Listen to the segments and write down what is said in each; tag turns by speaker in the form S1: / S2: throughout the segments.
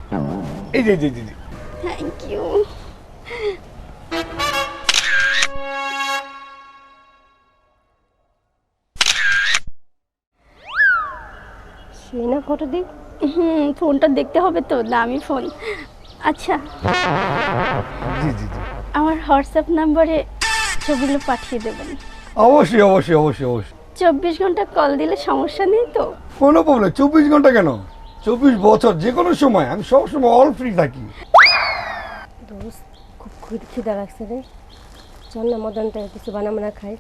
S1: এই যে জি জি জি
S2: thank you.
S3: সেই না ফটো দিক।
S2: ফোনটা দেখতে হবে তো, দামি ফোন। আচ্ছা,
S1: জি জি জি
S2: আমার হোয়াটসঅ্যাপ নাম্বারে ছবিগুলো পাঠিয়ে দেবেন।
S1: অবশ্যই অবশ্যই অবশ্যই অবশ্যই
S2: 24 ঘন্টা কল দিলে সমস্যা নেই তো?
S1: কোনো প্রবলেম 24 ঘন্টা কেন 24 বছর যে কোনো সময় আমি সবসময় অল ফ্রি থাকি।
S3: দোস্ত খুব খিদা লাগছে রে, চল না মদনটা কিছু বানা খাই।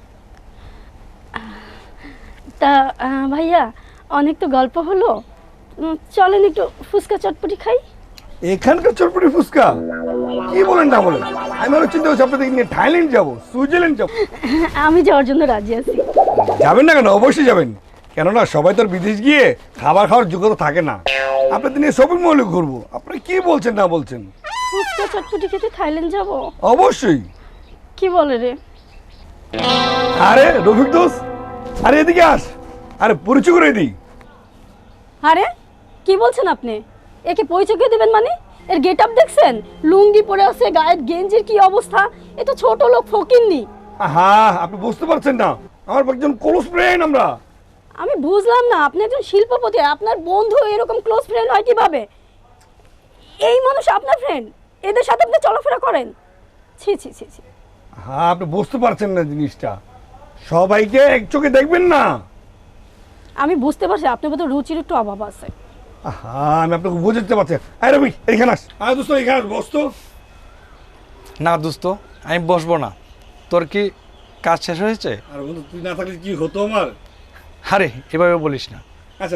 S2: তা ভাইয়া, অনেক তো গল্প হলো, চলেন একটু ফুচকা চটপটি খাই।
S1: এখানকার চটপটি ফুচকা কি বলেন না বলেন, আমি আরো চিন্তা করছি আপনাদের নিয়ে থাইল্যান্ড যাবো, সুইজারল্যান্ড যাবো।
S2: আমি যাওয়ার জন্য রাজি আছি।
S1: যাবেন না কেন, অবশ্যই যাবেন। কেননা সবাই তো আর বিদেশ গিয়ে খাবার খাওয়ার যোগ্যতা থাকে না। আপনাদের নিয়ে শপিং মলে ঘুরবো, আপনি কি বলছেন না বলছেন।
S2: ফুচকা চটপটি খেতে থাইল্যান্ড যাব?
S1: অবশ্যই।
S2: কি বলে রে?
S1: আরে রফিক দোস্ত, আরে এদিকে আস, আরে পরিচয় করে দিই।
S2: আরে কি বলছেন আপনি? একে পরিচয় করে দেবেন মানে? এর গেট আপ দেখছেন? লুঙ্গি পরে আছে, গায়ের গেঞ্জির কি অবস্থা! এ তো ছোট লোক, ফকিন্নি।
S1: হ্যাঁ, আপনি বুঝতে পারছেন না, আমার একজন ক্লোজ ফ্রেন্ড আমরা।
S2: আমি বুঝলাম না, আপনি একজন শিল্পপতি, আপনার বন্ধু এরকম ক্লোজ ফ্রেন্ড হয় কিভাবে? এই মানুষ আপনার ফ্রেন্ড, এদের সাথে আপনি চলাফেরা করেন? ছি ছি ছি ছি।
S1: হ্যাঁ, আপনি বুঝতে পারছেন না জিনিসটা, সবাইকে এক চোখে দেখবেন না।
S2: আমি বুঝতে পারছি আপনার মতো রুচির একটু অভাব আছে।
S1: হ্যাঁ, আমি আপনাকে বুঝতে পারছি। আরে রবি এখানে আস, আরে দোস্ত এখানে আস, বস তো।
S4: না দোস্ত, আমি বসবো না। তোর কি কাজ শেষ হয়েছে?
S1: আর বন্ধু তুই না থাকলে কি হতো আমার।
S4: আরে এভাবে বলিস না।
S1: আচ্ছা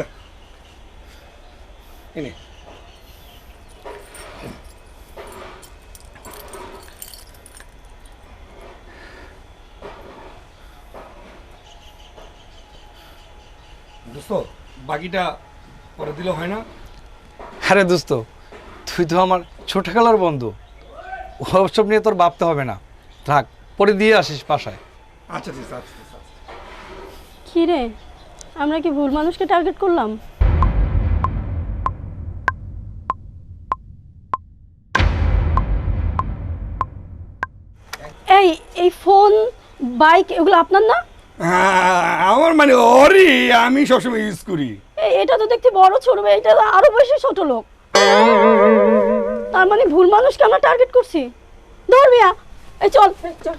S1: এনে দোস্ত, বাকিটা পরে দিলে হয় না?
S4: আরে দোস্ত, তুই তো আমার ছোটবেলার বন্ধু, ওসব নিয়ে তোর ভাবতে হবে না। থাক, পরে দিয়ে আসিস বাসায়।
S1: আচ্ছা ঠিক আছে, আচ্ছা।
S2: কি রে, আমরা কি ভুল মানুষকে টার্গেট করলাম? এই এই ফোন, বাইক এগুলো আপনার না?
S1: আমার মানে ওরই, আমি সবসময় ইউজ করি।
S2: এটা তো দেখতে বড় ছোট, এটা তো আরো বেশি ছোট লোক। তার মানে ভুল মানুষকে আমরা টার্গেট করছি। ধর মিয়া, এই চল চল।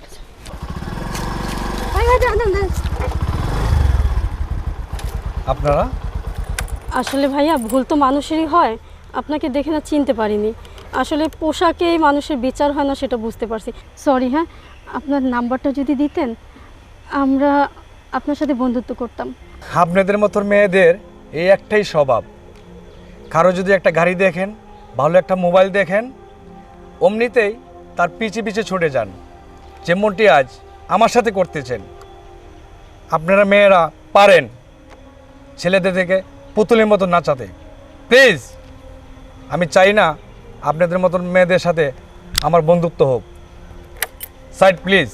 S4: আপনারা?
S2: আসলে ভাইয়া, ভুল তো মানুষেরই হয়, আপনাকে দেখে না চিনতে পারিনি। আসলে পোশাকেই মানুষের বিচার হয় না, সেটা বুঝতে পারছি। সরি। হ্যাঁ, আপনার নাম্বারটা যদি দিতেন, আমরা আপনার সাথে বন্ধুত্ব করতাম।
S4: আপনাদের মতো মেয়েদের এই একটাই স্বভাব, কারো যদি একটা গাড়ি দেখেন, ভালো একটা মোবাইল দেখেন, অমনিতেই তার পিছে পিছে ছুটে যান, যেমনটি আজ আমার সাথে করতেছেন। আপনারা মেয়েরা পারেন ছেলেদের থেকে পুতুলের মতো নাচাতে। প্লিজ, আমি চাই না আপনাদের মতন মেয়েদের সাথে আমার বন্ধুত্ব হোক। Side please.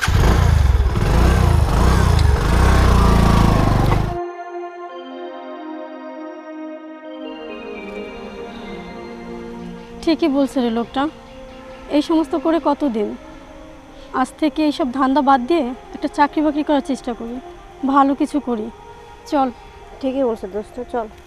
S2: ঠিকই বলছে রে লোকটা। এই সমস্ত করে কতদিন, আজ থেকে এইসব ধান্দা বাদ দিয়ে একটা চাকরি বাকরি করার চেষ্টা করি, ভালো কিছু করি। চল।
S3: ঠিকই বলছে দোস্ত, চল।